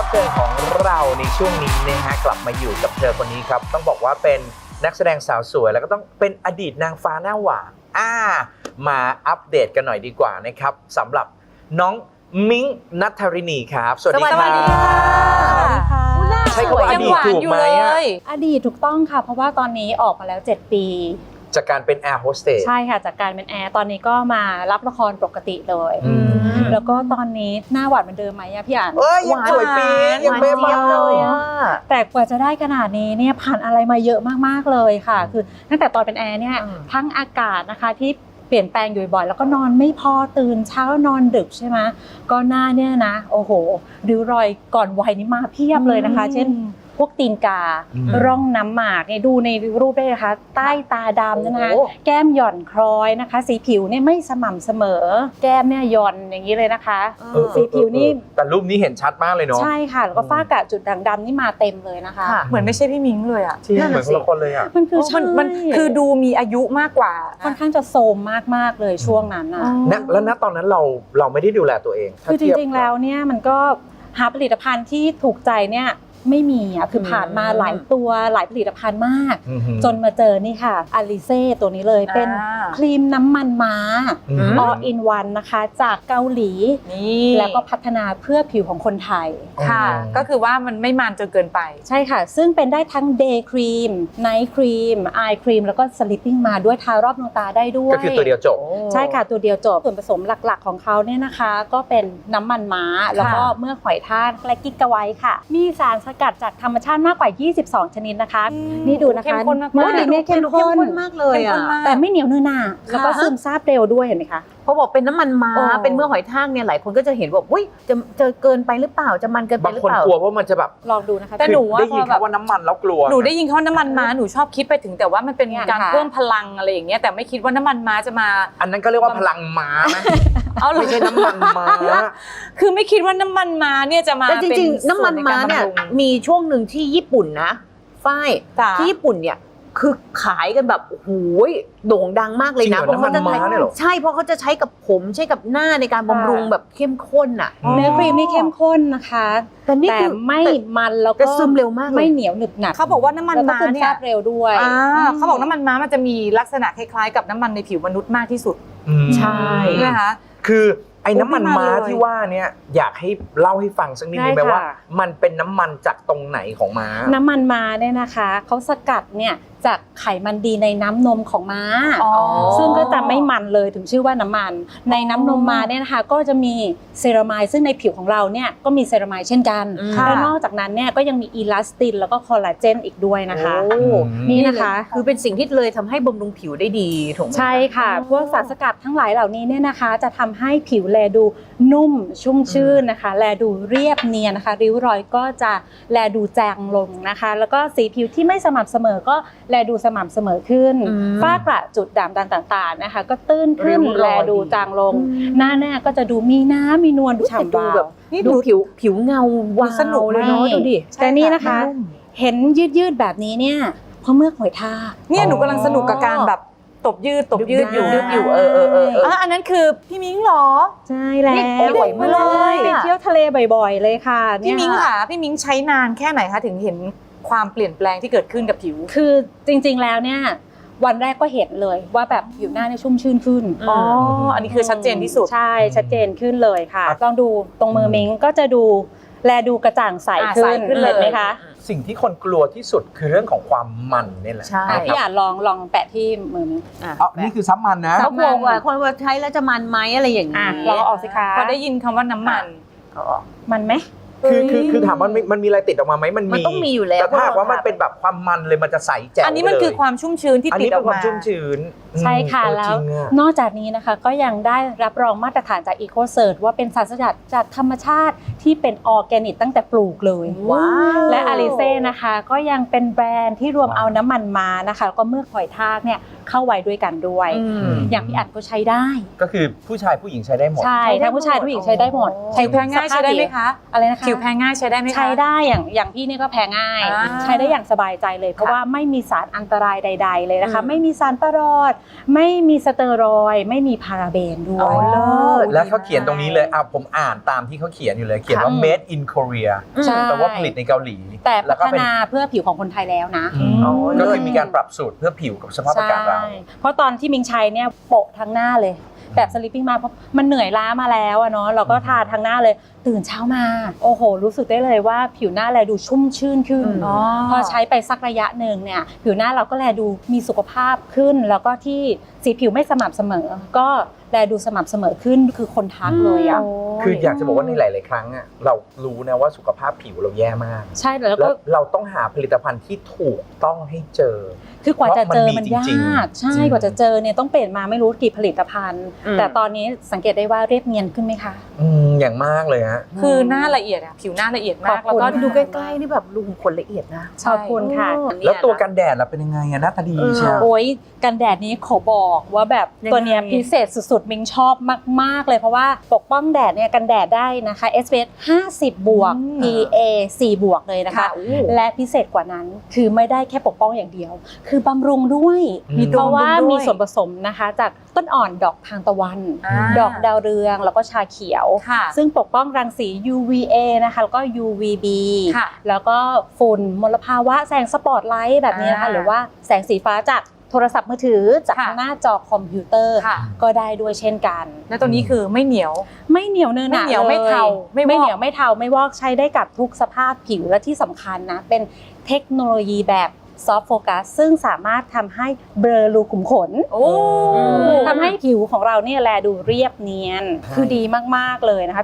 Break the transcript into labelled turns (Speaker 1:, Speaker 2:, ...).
Speaker 1: รับเชิญของเราในช่วงนี้นะฮะกลับมาอยู่กับเธอคนนี้ครับต้องบอกว่าเป็นนักแสดงสาวสวยแล้วก็ต้องเป็นอดีตนางฟ้าหน้าหวานมาอัปเดตกันหน่อยดีกว่านะครับสำหรับน้องมิ้งณัฐรินีครับสวัสดีครับ
Speaker 2: สวัสดีค่ะ
Speaker 1: ใช้คำว่าอดีตถูกไหม
Speaker 2: อดีตถูกต้องค่ะเพราะว่าตอนนี้ออกมาแล้ว7 ปี
Speaker 1: จากการเป็นแอร์โฮสเตส
Speaker 2: ใช่ค่ะจากการเป็นแอร์ตอนนี้ก็มารับละครปกติเลยแล้วก็ตอนนี้หน้าหวานเหมือนเดิมไหมอะพี่อ่าน
Speaker 1: ยังสวยปียังเป๊ะมากเลย
Speaker 2: แต่กว่าจะได้ขนาดนี้เนี่ยผ่านอะไรมาเยอะมากๆเลยค่ะคือตั้งแต่ตอนเป็นแอร์เนี่ยทั้งอากาศนะคะที่เปลี่ยนแปลงอยู่บ่อยแล้วก็นอนไม่พอตื่นเช้านอนดึกใช่ไหมก็หน้าเนี่ยนะโอ้โหริ้วรอยก่อนวัยนี่มาเพียบเลยนะคะเช่นพวกตีนการ่องน้ำหมากเนี่ยดูในรูปได้นะคะใต้ตาดำนะคะแก้มหย่อนคล้อยนะคะสีผิวเนี่ยไม่สม่ำเสมอแก้มเนี่ยหย่อนอย่างนี้เลยนะคะสีผิวนี่
Speaker 1: แต่รูปนี้เห็นชัดมากเลยเนาะ
Speaker 2: ใช่ค่ะแล้วก็ฝ้ากระจุดด่างดำนี่มาเต็มเลยนะคะ
Speaker 3: เหมือนไม่ใช่พี่มิ้งเลยอ่ะ
Speaker 1: เหมือนคนละคนเลยอ่ะ
Speaker 2: มันคือ
Speaker 3: มันคือดูมีอายุมากกว่า
Speaker 2: ค่อนข้างจะโทรมมากๆเลยช่วงนั้นนะ
Speaker 1: แล้วณตอนนั้นเราไม่ได้ดูแลตัวเอง
Speaker 2: คือจริงๆแล้วเนี่ยมันก็หาผลิตภัณฑ์ที่ถูกใจเนี่ยไม่มีอ่ะคือผ่านมาหลายตัวหลายผลิตภัณฑ์มากจนมาเจอนี่ค่ะอาลิเซ่ตัวนี้เลยเป็นครีมน้ำมันม้า all in one นะคะจากเกาหลีแล้วก็พัฒนาเพื่อผิวของคนไทย
Speaker 3: ค่ะก็คือว่ามันไม่มันจนเกินไป
Speaker 2: ใช่ค่ะซึ่งเป็นได้ทั้ง day cream night cream eye cream แล้วก็ sleeping มาด้วยทารอบดวงตาได้ด้วย
Speaker 1: ก็คือตัวเดียวจบ
Speaker 2: ใช่ค่ะตัวเดียวจบส่วนผสมหลักๆของเขาเนี่ยนะคะก็เป็นน้ำมันม้าแล้วก็เมื่อหอยทากและกิ๊กกะไว้ค่ะมีสารสกัดจากธรรมชาติมากกว่า22ชนิดนะคะนี่ดูนะคะ
Speaker 3: เมื่
Speaker 2: อดีเนี่ยเข้มข้น
Speaker 4: มากเลยอ่ะ
Speaker 2: แต่ไม่เหนียวเนื้อหนาแล้วก็ซึมซาบเร็วด้วยเห็นไหมคะ
Speaker 4: เพราะบอกเป็นน้ำมันม้าเป็นเมื่อหอยทากเนี่ยหลายคนก็จะเห็นว่าอุ้ยจะเกินไปหรือเปล่าจะมันเกินไปหรือเปล่า
Speaker 1: บางคนกลัวว่ามันจะแบบ
Speaker 2: ลองดูนะคะ
Speaker 3: แต่หนูว่า
Speaker 1: ได้ยินคำว่าน้ำมันแล้วกลัว
Speaker 3: หนูได้ยินคำว่าน้ำมันม้าหนูชอบคิดไปถึงแต่ว่ามันเป็นการเพิ่มพลังอะไรอย่างเงี้ยแต่ไม่คิดว่าน้ำมันม้าจะมา
Speaker 1: อันนั้นก็เรียกว่าพลังม้าไหมไม่ใช่น้ำมันม้า
Speaker 3: คือไม่คิดว่าน้ำมันม้าเนี่ยจะมา
Speaker 4: แต่จริงๆน้ำมันม้าเนี่ยมีช่วงหนึ่งที่ญี่ปุ่นนะฝ้ายที่ญี่ปุ่นเนี่ยคือขายกันแบบโอ้โหโด่งดังมากเลยนะเพราะเขาจะใช่เพราะเขาจะใช้กับผมใช้กับหน้าในการบำรุงแบบเข้มข้นอ่ะ
Speaker 2: เนื้อครีมนี่เข้มข้นนะคะแต่ไม่มันแล้วก็
Speaker 4: ซึมเร็วมาก
Speaker 2: ไม่เหนียวหนึบหนับ
Speaker 3: เขาบอกว่าน้ำมันม้าเนี่ย
Speaker 2: เร็วด้วย
Speaker 3: เขาบอกน้ำมันม้ามันจะมีลักษณะคล้ายๆกับน้ำมันในผิวมนุษย์มากที่สุด
Speaker 4: ใช่
Speaker 3: นะคะ
Speaker 1: คือไอ้น้ำมันม้าที่ว่าเนี่ยอยากให้เล่าให้ฟังสักนิดนึงไหมว่ามันเป็นน้ำมันจากตรงไหนของม้า
Speaker 2: น้ำมันม้าเนี่ยนะคะเขาสกัดเนี่ยจากไขมันดีในน้ำนมของม้าซึ่งก็จะไม่มันเลยถึงชื่อว่าน้ำมันในน้ำนมม้าเนี่ยนะคะก็จะมีเซรามายซึ่งในผิวของเราเนี่ยก็มีเซรามายเช่นกันและนอกจากนั้นเนี่ยก็ยังมีอีลาสตินแล้วก็คอลลาเจนอีกด้วยนะคะนี่นะคะ
Speaker 4: คือเป็นสิ่งที่เลยทำให้บำรุงผิวได้ดีถูกไหม
Speaker 2: ใช่ค่ะพวกสารสกัดทั้งหลายเหล่านี้เนี่ยนะคะจะทำให้ผิวแลดูนุ่มชุ่มชื่นนะคะแลดูเรียบเนียนนะคะริ้วรอยก็จะแลดูจางลงนะคะแล้วก็สีผิวที่ไม่สม่ำเสมอก็แลดูสม่ำเสมอขึ้นฝ้ากระจุดด่างต่างๆนะคะก็ตื้นขึ้นแลดูจางลงหน้าเนี่ยก็จะดูมีน้ำมีนวลดูฉ่ำวาว
Speaker 4: นี่ดูผิวเงาวาว
Speaker 2: สนุกเลยเนาะดูดิแต่นี่นะคะเห็นยืดแบบนี้เนี่ยเพราะเมื่อหอยทาก
Speaker 3: เนี่ยหนูกำลังสนุกกับการแบบตบยืดอยู่อันนั้นคือพี่มิ้งหรอ
Speaker 2: ใช่แล้ว
Speaker 4: บ่อยมากเลย
Speaker 2: ไปเที่ยวทะเลบ่อยๆเลยค่ะ
Speaker 3: พี่มิ้งค่ะพี่มิ้งใช้นานแค่ไหนคะถึงเห็นความเปลี่ยนแปลงที่เกิดขึ้นกับผิว
Speaker 2: คือจริงๆแล้วเนี่ยวันแรกก็เห็นเลยว่าแบบผิวหน้าเนี่ยชุ่มชื่นขึ้น
Speaker 3: อันนี้คือชัดเจนที่สุด
Speaker 2: ใช่ชัดเจนขึ้นเลยค่ะลองดูตรงมือมิ้งก็จะดูแลดูกระจ่างใสขึ้นเลยไหมคะ
Speaker 1: สิ่งที่คนกลัวที่สุดคือเรื่องของความมันนี่แหละ
Speaker 2: พี่อ่านลองแปะที่มือมิ้ง
Speaker 1: นี่คือซับมันนะ
Speaker 4: เขาบอกว่าคนว่าใช้แล้วจะมันไหมอะไรอย่างนี้
Speaker 2: ลองออกสิคะ
Speaker 3: พอได้ยินคำว่าน้ำ
Speaker 2: มันไหม
Speaker 1: คือถามว่ามันมีอะไรติดออกมาไหมมัน
Speaker 4: ต้องมีอยู่แล้ว
Speaker 1: แต่ถ้าว่ามันเป็นแบบความมันเลยมันจะใสแจ๋ว
Speaker 3: อันนี้มันคือความชุ่มชื้นที่ติดออกมา
Speaker 1: ความชุ่มชื้น
Speaker 2: ใช่ค่ะแล้วนอกจากนี้นะคะก็ยังได้รับรองมาตรฐานจาก EcoCert ว่าเป็นสารสกัดจากธรรมชาติที่เป็นออร์แกนิกตั้งแต่ปลูกเลยและอาริเซ่นะคะก็ยังเป็นแบรนด์ที่รวมเอาน้ำมันม้านะคะแล้วก็เมือกหอยทากเนี่ยเข้าไว้ด้วยกันด้วยอย่างพี่อัดก็ใช้ได้
Speaker 1: ก็คือผู้ชายผู้หญิงใช้ได้หมด
Speaker 2: ใช่ทั้งผู้ชายผู้หญิงใช้ได้หมด
Speaker 3: ผิวแพ้ง่ายใช้ได้ไหมคะ
Speaker 2: อะไรนะคะ
Speaker 3: ผิวแพ้ง่ายใช้ได้ไหมคะ
Speaker 2: ใช้ได้อย่างพี่นี่ก็แพ้ง่ายใช้ได้อย่างสบายใจเลยเพราะว่าไม่มีสารอันตรายใดๆเลยนะคะไม่มีสารประหลอดไม่มีสเตียรอยด์ไม่มีพาราเบนด้ว
Speaker 1: อ๋
Speaker 2: ย
Speaker 1: อ
Speaker 4: เลิศ
Speaker 1: แล้วเขาเขียนตรงนี้เลยผมอ่านตามที่เขาเขียนอยู่เลย เขียนว่า made in Korea
Speaker 2: ใช่
Speaker 1: แปลว่าผลิตในเกาหลี
Speaker 2: แต่พั
Speaker 1: แล้วก็
Speaker 2: ฒ
Speaker 1: เป็น
Speaker 2: นาเพื่อผิวของคนไทยแล้วนะ
Speaker 1: อืม
Speaker 4: อ๋อ
Speaker 1: ก็คือมีการปรับสูตรเพื่อผิวกับสภาพอากาศเรา
Speaker 2: ใช่เพราะตอนที่มิงใช้เนี่ยโปะทั้งหน้าเลย แบบสลิปปิ้งมาเพราะมันเหนื่อยล้ามาแล้วอะเนาะเราก็ทาทั้งหน้าเลยตื่นเช้ามาโอ้โหรู้สึกได้เลยว่าผิวหน้าแลดูชุ่มชื่นขึ้น พอใช้ไปสักระยะหนึ่งเนี่ยผิวหน้าเราก็แลดูมีสุขภาพขึ้น แล้วก็ที่สีผิวไม่สม่ำเสมอ ก็แลดูสม่ำเสมอขึ้นคือคนทักเลยอ่ะ
Speaker 1: คืออยากจะบอกว่าในหลาย ๆ ครั้งอะเรารู้นะว่าสุขภาพผิวเราแย่มาก
Speaker 2: ใช่แล้ว
Speaker 1: แล้
Speaker 2: ก็
Speaker 1: วเราต้องหาผลิตภัณฑ์ที่ถูกต้องให้เจอ
Speaker 2: คือกว่าจะเจอมัน
Speaker 1: เพราะมันมีจริง
Speaker 2: ยาก
Speaker 1: ๆ
Speaker 2: ใช่กว่าจะเจอเนี่ยต้องเปลี่ยนมาไม่รู้กี่ผลิตภัณฑ์ แต่ตอนนี้สังเกตได้ว่าเรียบเนียนขึ้นไหมคะ
Speaker 1: อย่างมากเลยฮะ
Speaker 3: คือหน้าละเอียดอะผิวหน้าละเอียดมาก
Speaker 2: ขอบคุณ
Speaker 3: แล้วก็
Speaker 4: ดูใกล้ๆนี่แบบลุงขนละเอียดนะ
Speaker 2: ขอบคุณค่ะ
Speaker 1: แล้วตัวกันแดดล่ะเป็นยังไงอะหน้าตาดีใช่ไหม
Speaker 2: โอ้ยกันแดดนี้ขอบอกว่าแบบ
Speaker 4: ยังไง
Speaker 2: ตัวเนี้ยพิเศษสุดๆมิงชอบมากๆเลยเพราะว่าปกป้องแดดเนี่ยกันแดดได้นะคะ SPF 50 บวก PA 4 บวกเลยนะคะ
Speaker 4: ค่ะอู้
Speaker 2: และพิเศษกว่านั้นคือไม่ได้แค่ปกป้องอย่างเดียว คือบำรุงด้วย
Speaker 1: มี
Speaker 2: เพราะว่า
Speaker 3: บำรุงด้วย
Speaker 2: มีส่วนผสมนะคะจากต้นอ่อนดอกทานตะวัน ดอกดาวเรืองแล้วก็ชาเขียว
Speaker 3: ค่ะ
Speaker 2: ซึ่งปกป้องรังสี UVA นะคะแล้วก็ UVB
Speaker 3: ค่ะ
Speaker 2: แล้วก็ฝุ่นมลภาวะแสงสปอตไลท์แบบนี้นะคะหรือว่าแสงสีฟ้าจากโทรศัพท์มือถือจาก
Speaker 3: ค่ะ
Speaker 2: หน้าจอคอมพิวเตอร์
Speaker 3: ค่ะ
Speaker 2: ก็ได้ด้วยเช่นกัน
Speaker 3: แล้วตัวนี้คือไม่เหนียว
Speaker 2: ไม่เหนียวเนื้อหนา
Speaker 3: ไม่เหนียวไม่
Speaker 2: ล
Speaker 3: เทาไม่วอก
Speaker 2: ไม่เหนียวไม่เทาไม่วอกใช้ได้กับทุกสภาพผิวและที่สำคัญนะเป็นเทคโนโลยีแบบซอฟต์โฟกัสซึ่งสามารถทำให้เบลอรูขุมขน
Speaker 3: โอ้
Speaker 2: ทำให้ผิวของเราเนี่ยแลดูเรียบเนียน
Speaker 1: ใช่
Speaker 2: คือดีมากๆเลยนะคะ